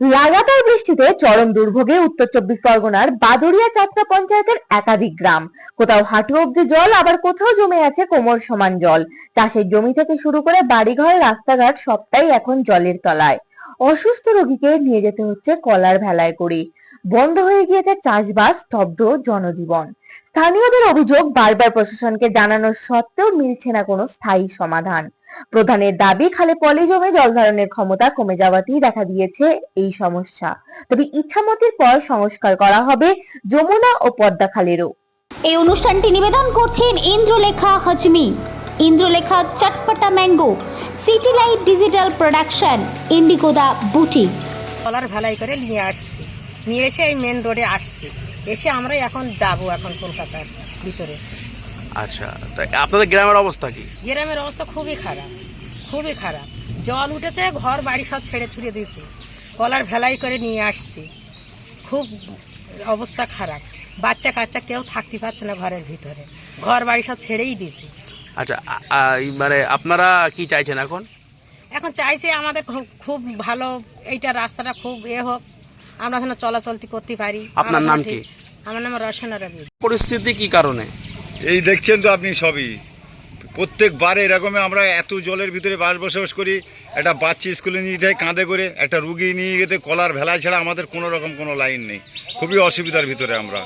লাগাতার বৃষ্টিতে চরম দুর্ভোগে উত্তর চব্বিশ পরগনার বাদুড়িয়া চাতরা পঞ্চায়েতের একাধিক গ্রাম। কোথাও হাঁটু অব্দি জল, আবার কোথাও জমে আছে কোমর সমান জল। চাষের জমি থেকে শুরু করে বাড়িঘর, রাস্তাঘাট সবটাই এখন জলের তলায়। অসুস্থ রোগীকে নিয়ে যেতে হচ্ছে কলার ভেলায় করে। বন্ধ হয়ে গিয়েছে চাষবাস, স্তব্ধ জনজীবন। স্থানীয়দের অভিযোগ, বারবার প্রশাসনকে জানানোর সত্ত্বেও মিলছে না কোনো স্থায়ী সমাধান। প্রধানের দাবি, খালে পলি জমে জল ধারণের ক্ষমতা কমে যাওয়াতেই দেখা দিয়েছে এই সমস্যা। তবে ইচ্ছামতির পর সংস্কার করা হবে যমুনা ও পদ্মা খালেরও। এই অনুষ্ঠানটি নিবেদন করছেন Indralekha Hajmi, Indralekha Chatpata mango, City Light Digital Production, ইন্ডিগোদা বুটিক। কলার ভেলাই করে নিয়ে আসছি, নিয়ে এসে এই মেন রোডে আসছি, এসে আমরা এখন যাব কলকাতার ভিতরে। আচ্ছা, তা আপনাদের গ্রামের অবস্থা কি? গ্রামের অবস্থা খুবই খারাপ, খুবই খারাপ। জল উঠেছে, ঘর বাড়ি সব ছেড়ে ছুড়ে দিয়েছি, কলার ভেলাই করে নিয়ে আসছি। খুব অবস্থা খারাপ, বাচ্চা কাচ্চা কেউ থাকতে পারছে না ঘরের ভিতরে, ঘর বাড়ি সব ছেড়েই দিয়েছি। আচ্ছা, মানে আপনারা কি চাইছেন এখন? এখন চাইছে আমাদের খুব ভালো এইটা রাস্তাটা খুব হোক, আমরা যেন চলাচলতি করতে পারি। আপনার নাম কি? আমার নাম রসনা রবি। পরিস্থিতি কি কারণে? এই দেখছেন তো আপনি সবই, প্রত্যেকবার এরকম আমরা এত জলের ভিতরে বসবাস করি। একটা বাচ্চা স্কুলে নিয়ে যেতে হয় কাঁধে করে, একটা রুগী নিয়ে যেতে কলার ভেলায় ছাড়া আমাদের কোনো রকম কোনো লাইন নেই। খুবই অসুবিধার ভিতরে আমরা।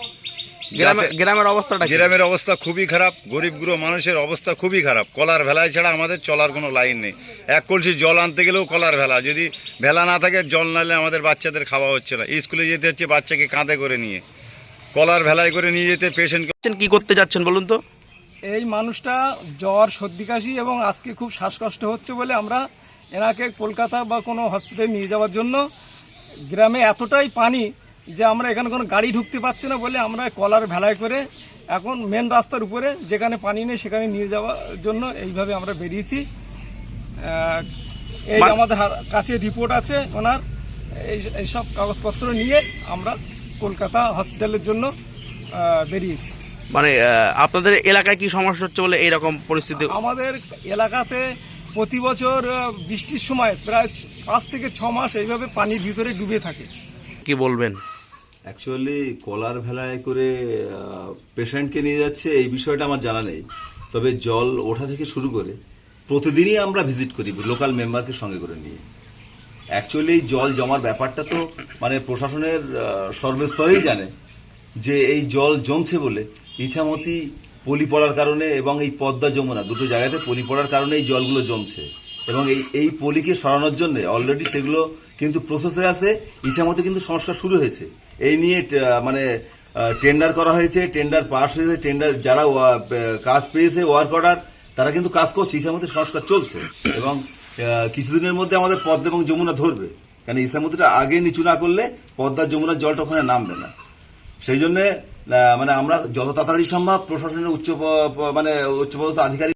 গ্রামের অবস্থাটা? গ্রামের অবস্থা খুবই খারাপ, গরিব গুঁড়ো মানুষের অবস্থা খুবই খারাপ। কলার ভেলায় ছাড়া আমাদের চলার কোনো লাইন নেই। এক কলসি জল আনতে গেলেও কলার ভেলা, যদি ভেলা না থাকে জল নালে আমাদের বাচ্চাদের খাওয়া হচ্ছে না। স্কুলে যেতে হচ্ছে বাচ্চাকে কাঁধে করে নিয়ে, কলার ভেলায় করে নিয়ে যেতে পেশেন্ট। কি করতে যাচ্ছেন বলুন তো? এই মানুষটা জ্বর, সর্দি, কাশি এবং আজকে খুব শ্বাসকষ্ট হচ্ছে বলে আমরা এনাকে কলকাতা বা কোনো হসপিটালে নিয়ে যাওয়ার জন্য, গ্রামে এতটাই পানি যে আমরা এখানে কোনো গাড়ি ঢুকতে পারছি না বলে আমরা কলার ভেলায় করে এখন মেন রাস্তার উপরে যেখানে পানি নেই সেখানে নিয়ে যাওয়ার জন্য এইভাবে আমরা বেরিয়েছি। এই আমাদের কাছে রিপোর্ট আছে ওনার, এইসব কাগজপত্র নিয়ে আমরা কলকাতা হসপিটালের জন্য বেরিয়েছি। মানে আপনাদের এলাকায় কি সমস্যা হচ্ছে বলে এইরকম পরিস্থিতি? আমাদের এলাকাতে প্রতি বছর বৃষ্টির সময় প্রায় 5 থেকে 6 মাস এইভাবে পানির ভিতরে ডুবে থাকে। কি বলবেন? অ্যাকচুয়ালি কলার ভেলায় করে পেশেন্টকে নিয়ে যাচ্ছে এই বিষয়টা আমার জানা নেই, তবে জল ওঠা থেকে শুরু করে প্রতিদিনই আমরা ভিজিট করি লোকাল মেম্বারকে সঙ্গে করে নিয়ে। অ্যাকচুয়ালি জল জমার ব্যাপারটা তো মানে প্রশাসনের সর্বস্তরেই জানে যে এই জল জমছে বলে ইছামতি পলি পড়ার কারণে এবং এই পদ্মা যমুনা দুটো জায়গাতে পলি পড়ার কারণে এই জলগুলো জমছে, এবং এই পলিকে সরানোর জন্য অলরেডি সেগুলো কিন্তু প্রসেসে আছে। ইছামতি কিন্তু সংস্কার শুরু হয়েছে, এই নিয়ে মানে টেন্ডার করা হয়েছে, টেন্ডার পাস হয়েছে, টেন্ডার যারা কাজ পেয়েছে ওয়ার্ক অর্ডার তারা কিন্তু কাজ করছে, ইছামতি সংস্কার চলছে এবং কিছুদিনের মধ্যে আমাদের পদ্মা এবং যমুনা ধরবে। কারণ ইছামতিটা আগে নিচু না করলে পদ্মা যমুনার জলটা ওখানে নামবে না। সেই জন্য মানে আমরা যত তাড়াতাড়ি সম্ভব প্রশাসনের উচ্চপদস্থ আধিকারিক